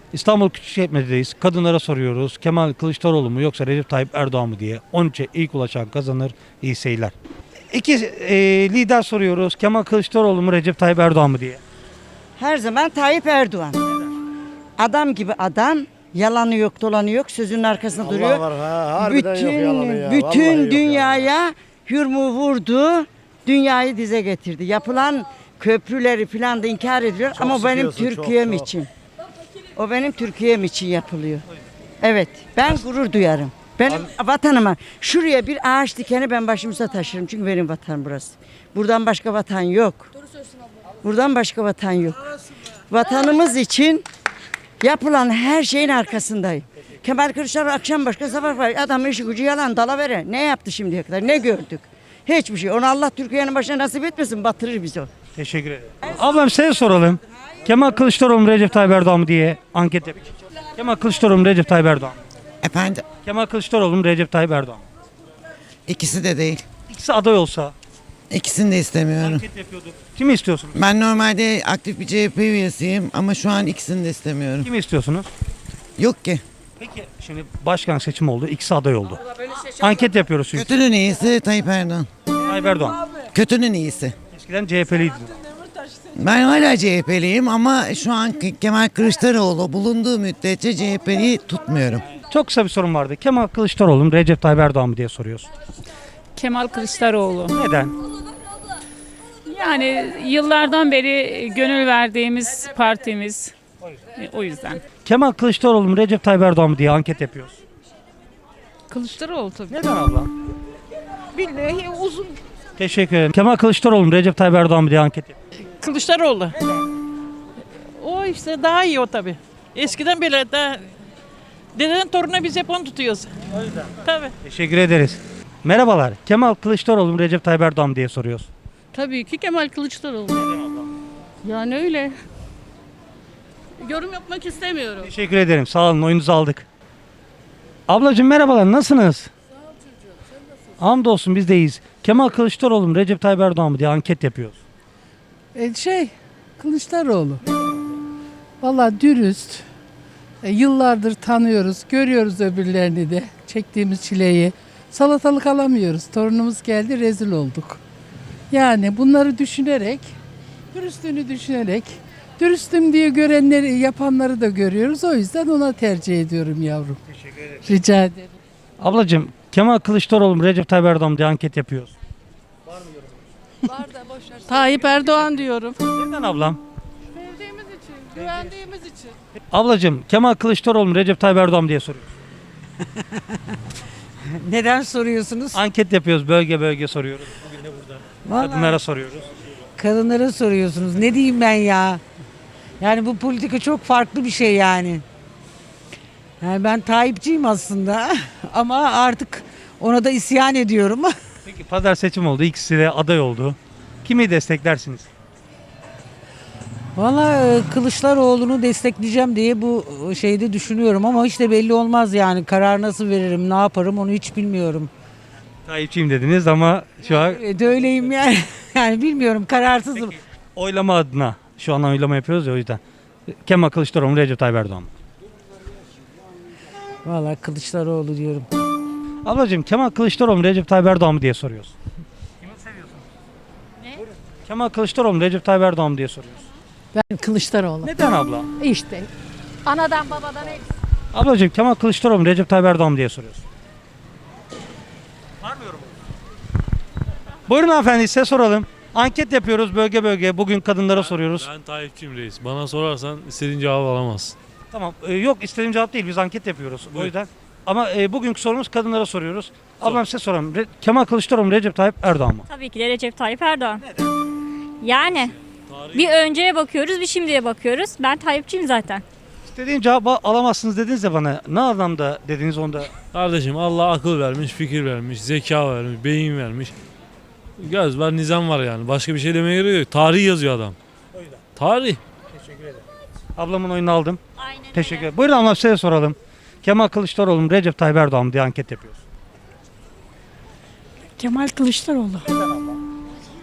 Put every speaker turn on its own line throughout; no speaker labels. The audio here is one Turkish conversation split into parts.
İstanbul Küçükçekmece'deyiz. Kadınlara soruyoruz. Kemal Kılıçdaroğlu mu yoksa Recep Tayyip Erdoğan mı diye. 13'e ilk ulaşan kazanır. İyi seyirler. İki lider soruyoruz. Kemal Kılıçdaroğlu mu Recep Tayyip Erdoğan mı diye.
Her zaman Tayyip Erdoğan. Adam gibi adam. Yalanı yok, dolanı yok, sözünün arkasında duruyor.
Var, ha, harbiden yok yalanı ya. Vallahi
Bütün
yok
dünyaya yurmu vurdu. Dünyayı dize getirdi. Yapılan köprüleri falan da inkar ediliyor
Çok
ama benim
sıkıyorsun,
Türkiye'm
çok.
için. O benim Türkiye'm için yapılıyor. Evet, ben gurur duyarım. Benim vatanıma şuraya bir ağaç dikeni ben başımıza taşırım çünkü benim vatanım burası. Buradan başka vatan yok. Buradan başka vatan yok. Vatanımız için yapılan her şeyin arkasındayım. Kemal Kılıçdaroğlu akşam başka sabah var. Adamın işi gücü yalan dalavere. Ne yaptı şimdiye kadar? Ne gördük? Hiçbir şey. Onu Allah Türkiye'nin başına nasip etmesin. Batırır bizi o.
Teşekkür ederim. Ablam size soralım. Kemal Kılıçdaroğlu mu Recep Tayyip Erdoğan mı diye anket yapıyoruz. Kemal Kılıçdaroğlu mu Recep Tayyip Erdoğan mı?
Efendim,
Kemal Kılıçdaroğlu mu Recep Tayyip Erdoğan mı?
ikisi de değil.
İkisi aday olsa
İkisini de istemiyorum.
anket yapıyorduk. Kimi istiyorsunuz?
Ben normalde aktif bir CHP üyesiyim ama şu an ikisini de istemiyorum.
Kimi istiyorsunuz?
Yok ki.
Peki şimdi başkan seçimi oldu. İkisi aday oldu. Anket yapıyoruz çünkü.
Kötünün iyisi Tayyip Erdoğan.
Tayyip Erdoğan.
Kötünün iyisi.
Eskiden CHP'liydi.
Ben hala CHP'liyim ama şu an Kemal Kılıçdaroğlu bulunduğu müddetçe CHP'liyi tutmuyorum.
Çok kısa bir sorum vardı. Kemal Kılıçdaroğlu mu Recep Tayyip Erdoğan mı diye soruyoruz.
Kemal Kılıçdaroğlu.
Neden?
Yani yıllardan beri gönül verdiğimiz partimiz. O yüzden.
Kemal Kılıçdaroğlu mu Recep Tayyip Erdoğan mı diye anket yapıyoruz.
Kılıçdaroğlu tabii.
Neden abla?
Billahi uzun.
Teşekkür ederim. Kemal Kılıçdaroğlu mu Recep Tayyip Erdoğan mı diye anket yapıyoruz.
Kılıçdaroğlu. O işte daha iyi o tabi. Eskiden bile daha dedenin torununa biz hep onu tutuyoruz. O yüzden. Tabii.
Teşekkür ederiz. Merhabalar. Kemal Kılıçdaroğlu mu Recep Tayyip Erdoğan mı diye soruyoruz.
Tabii ki Kemal Kılıçdaroğlu. Yani öyle. Yorum yapmak istemiyorum.
Teşekkür ederim. Sağ olun. Oyunuzu aldık. Ablacığım merhabalar. Nasılsınız? Sağ ol çocuğum. Sen nasılsın? Hamdolsun biz de iyiyiz. Kemal Kılıçdaroğlu mu Recep Tayyip Erdoğan mı diye anket yapıyoruz.
Kılıçdaroğlu. Valla dürüst. Yıllardır tanıyoruz, görüyoruz öbürlerini de. Çektiğimiz çileyi. Salatalık alamıyoruz. Torunumuz geldi, rezil olduk. Yani bunları düşünerek, dürüstlüğünü düşünerek, dürüstüm diye görenleri, yapanları da görüyoruz. O yüzden ona tercih ediyorum yavrum.
Teşekkür ederim.
Rica ederim.
Ablacığım Kemal Kılıçdaroğlu mu Recep Tayyip Erdoğan mı diye anket yapıyoruz.
Tayyip Erdoğan diyorum.
Neden ablam?
Sevdiğimiz için, güvendiğimiz için.
Ablacığım Kemal Kılıçdaroğlu mu Recep Tayyip Erdoğan mı diye soruyoruz.
Neden soruyorsunuz?
Anket yapıyoruz. Bölge bölge soruyoruz. Bugün de burada. Kadınlara soruyoruz.
Kadınlara soruyorsunuz. Ne diyeyim ben ya? Yani bu politika çok farklı bir şey yani. Yani ben Tayyipçiyim aslında ama artık ona da isyan ediyorum.
Peki pazar seçim oldu. İkisi de aday oldu. Kimi desteklersiniz?
Valla Kılıçdaroğlu'nu destekleyeceğim diye bu şeyde düşünüyorum ama hiç de belli olmaz yani. Karar nasıl veririm, ne yaparım onu hiç bilmiyorum.
Tayyipçiyim dediniz ama şu an
Evet öyleyim yani. Yani bilmiyorum kararsızım.
oylama adına şu an oylama yapıyoruz ya o yüzden. Kemal Kılıçdaroğlu mu Recep Tayyip Erdoğan mı?
Valla Kılıçdaroğlu diyorum.
Ablacığım Kemal Kılıçdaroğlu mu Recep Tayyip Erdoğan mı diye soruyoruz. Kimi seviyorsunuz? Ne? Kemal Kılıçdaroğlu mu Recep Tayyip Erdoğan mı diye soruyoruz.
Ben Kılıçdaroğlu.
Neden abla?
İşte. Anadan babadan
Ablacığım Kemal Kılıçdaroğlu mu Recep Tayyip Erdoğan mı diye soruyoruz. Var mı yorum? Buyurun hanımefendi size soralım. Anket yapıyoruz bölge bölge. Bugün kadınlara soruyoruz.
Ben Tayyipçiyim reis. Bana sorarsan istediğin cevabı alamazsın.
Tamam. Yok istediğim cevap değil. Biz anket yapıyoruz. O
Buyur.
yüzden. Ama bugünkü sorumuz kadınlara soruyoruz. Ablam size soralım. Kemal Kılıçdaroğlu mu Recep Tayyip Erdoğan mı?
Tabii ki de Recep Tayyip Erdoğan. Yani bir önceye bakıyoruz, bir şimdiye bakıyoruz. Ben Tayyipçiyim zaten.
İstediğim cevabı alamazsınız dediniz de bana. Ne anlamda dediniz onda?
Kardeşim Allah akıl vermiş, fikir vermiş, zeka vermiş, beyin vermiş. Göz var, nizam var yani. Başka bir şey demeye gerek yok. Tarih yazıyor adam. Tarih.
Ablamın oyunu aldım.
Aynen
Teşekkür ederim. Buyurun ablam size soralım. Kemal Kılıçdaroğlu mu Recep Tayyip Erdoğan mı diye anket yapıyoruz.
Kemal Kılıçdaroğlu.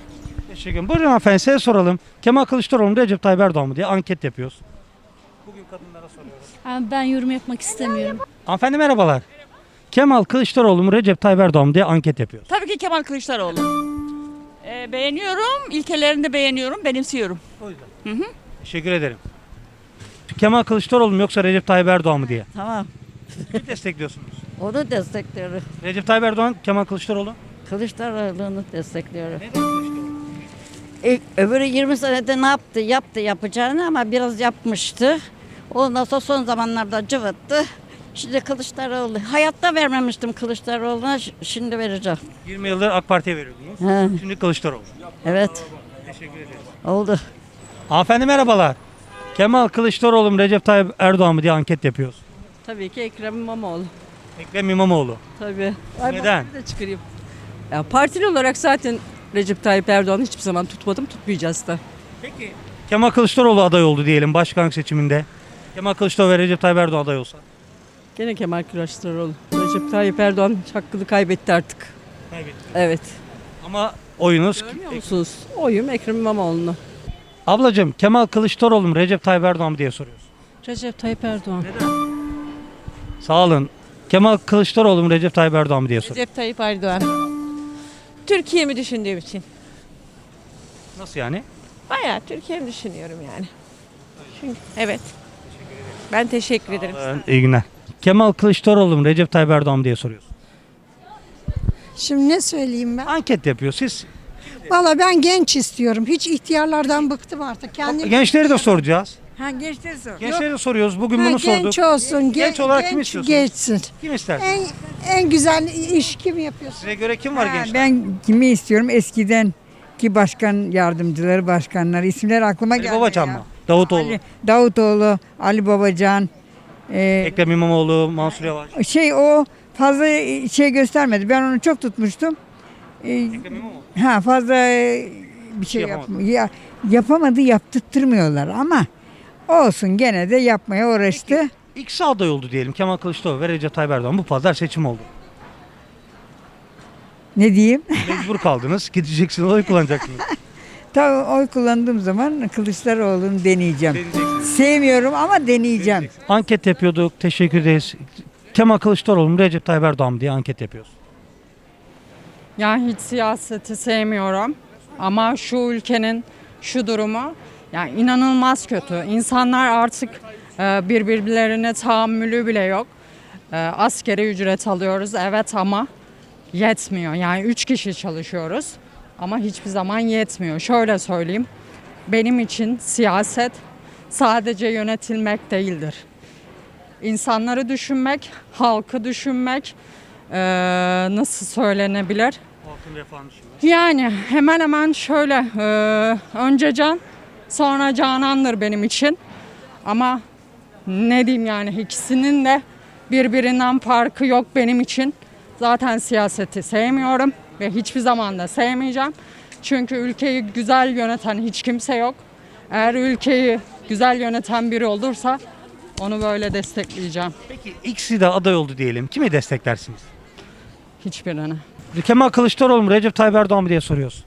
Teşekkür ederim. Buyurun hanımefendi size soralım. Kemal Kılıçdaroğlu mu Recep Tayyip Erdoğan mı diye anket yapıyoruz. Bugün kadınlara soruyoruz.
Ben yorum yapmak istemiyorum.
Hanımefendi merhabalar. Kemal Kılıçdaroğlu mu Recep Tayyip Erdoğan mı diye anket yapıyoruz.
Tabii ki Kemal Kılıçdaroğlu. Beğeniyorum, ilkelerini de beğeniyorum, benimsiyorum.
O yüzden. Teşekkür ederim. Kemal Kılıçdaroğlu mu yoksa Recep Tayyip Erdoğan mı diye.
Tamam.
Kimi destekliyorsunuz?
Onu destekliyorum.
Recep Tayyip Erdoğan, Kemal Kılıçdaroğlu.
Kılıçdaroğlu'nu destekliyorum.
Neden Kılıçdaroğlu?
Öbürü 20 senede ne yaptı? Yaptı yapacağını ama biraz yapmıştı. Ondan sonra son zamanlarda cıvıttı. Şimdi Kılıçdaroğlu. Hayatta vermemiştim Kılıçdaroğlu'na. Şimdi vereceğim.
20 yıldır AK Parti'ye veriyordunuz.
He,
Şimdi Kılıçdaroğlu.
evet.
Teşekkür ederim.
Oldu.
Hanımefendi merhabalar. Kemal Kılıçdaroğlu mu Recep Tayyip Erdoğan mı diye anket yapıyoruz.
Tabii ki Ekrem İmamoğlu.
Ekrem İmamoğlu.
Tabii.
Neden?
Ben de çıkarayım. Ya partili olarak zaten Recep Tayyip Erdoğan'ı hiçbir zaman tutmadım, tutmayacağız da.
Peki. Kemal Kılıçdaroğlu aday oldu diyelim başkanlık seçiminde. Kemal Kılıçdaroğlu ve Recep Tayyip Erdoğan aday olsa.
Gene Kemal Kılıçdaroğlu. Recep Tayyip Erdoğan hakkını kaybetti artık.
Kaybetti.
Evet.
Ama oyunuz...
Görmüyor musunuz? Oyum Ekrem İmamoğlu'na.
Ablacığım Kemal Kılıçdaroğlu mu Recep Tayyip Erdoğan mı diye soruyoruz.
Recep Tayyip Erdoğan.
Sağ olun. Kemal Kılıçdaroğlu mu Recep Tayyip Erdoğan mı diye soruyoruz.
Recep Tayyip Erdoğan. Türkiye'mi düşündüğüm için.
Nasıl yani?
Bayağı Türkiye'mi düşünüyorum yani. Çünkü, evet. Ben teşekkür ederim.
İyi günler. Kemal Kılıçdaroğlu mu Recep Tayyip Erdoğan mı diye soruyoruz.
Şimdi ne söyleyeyim ben?
Anket yapıyor. Siz
Valla ben genç istiyorum. Hiç ihtiyarlardan bıktım artık.
gençleri de soracağız.
Gençleri sor.
Gençleri de soruyoruz. Bugün bunu
genç
sorduk.
olsun.
Genç olarak kim istiyorsunuz?
Geçsin.
Kim istersiniz?
En güzel iş kim yapıyorsun?
Size göre kim var gençler?
Ben kimi istiyorum? Eskiden ki başkan yardımcıları, başkanları isimler aklıma
Ali
geldi.
Babacan mı? Davutoğlu.
Davutoğlu, Ali Babacan.
Ekrem İmamoğlu, Mansur Yavaş.
O fazla şey göstermedi. Ben onu çok tutmuştum.
Ekrem İmamoğlu.
Fazla bir şey yapamadı, yaptırtmıyorlar ama olsun gene de yapmaya uğraştı.
İkisi aday oldu diyelim. Kemal Kılıçdaroğlu ve Recep Tayyip Erdoğan. Bu pazar seçim oldu.
Ne diyeyim?
Mecbur kaldınız. Gideceksiniz, oy kullanacaksınız.
Tabii oy kullandığım zaman Kılıçdaroğlu'nu deneyeceğim.
Deneyeceksiniz.
Sevmiyorum ama deneyeceğim.
Anket yapıyorduk. Teşekkür ederiz. Kemal Kılıçdaroğlu mu Recep Tayyip Erdoğan mı diye anket yapıyoruz.
Yani hiç siyaseti sevmiyorum. Ama şu ülkenin şu durumu yani inanılmaz kötü. İnsanlar artık birbirlerine tahammülü bile yok. Askeri ücret alıyoruz evet ama yetmiyor. Yani 3 kişi çalışıyoruz ama hiçbir zaman yetmiyor. Şöyle söyleyeyim. Benim için siyaset sadece yönetilmek değildir. İnsanları düşünmek, halkı düşünmek nasıl söylenebilir?
Halkın refahını düşünmek.
Yani hemen hemen şöyle önce can sonra canandır benim için. Ama ne diyeyim yani ikisinin de birbirinden farkı yok benim için. Zaten siyaseti sevmiyorum ve hiçbir zaman da sevmeyeceğim. Çünkü ülkeyi güzel yöneten hiç kimse yok. Eğer ülkeyi güzel yöneten biri olursa onu böyle destekleyeceğim.
Peki ikisi de aday oldu diyelim. Kimi desteklersiniz?
Hiçbirini.
Kemal Kılıçdaroğlu mu Recep Tayyip Erdoğan mı diye soruyoruz.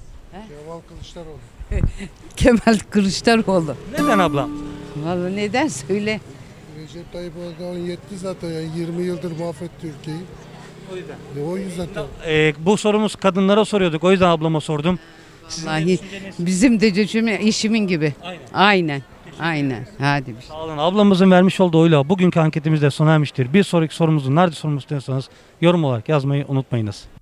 Kemal Kılıçdaroğlu.
Neden abla?
Vallahi neden söyle?
Recep Tayyip Erdoğan yetti zaten ya. 20 yıldır mahvetti ülkeyi.
O yüzden.
O yüzden tabii.
Bu sorumuz kadınlara soruyorduk. O yüzden ablama sordum.
Vallahi bizim de işimin gibi.
Aynen.
Aynen. Hadi.
Sağ olun. Ablamızın vermiş olduğu oyla bugünkü anketimiz de sona ermiştir. Bir sonraki sorumuzu nerede sormak istiyorsanız yorum olarak yazmayı unutmayınız.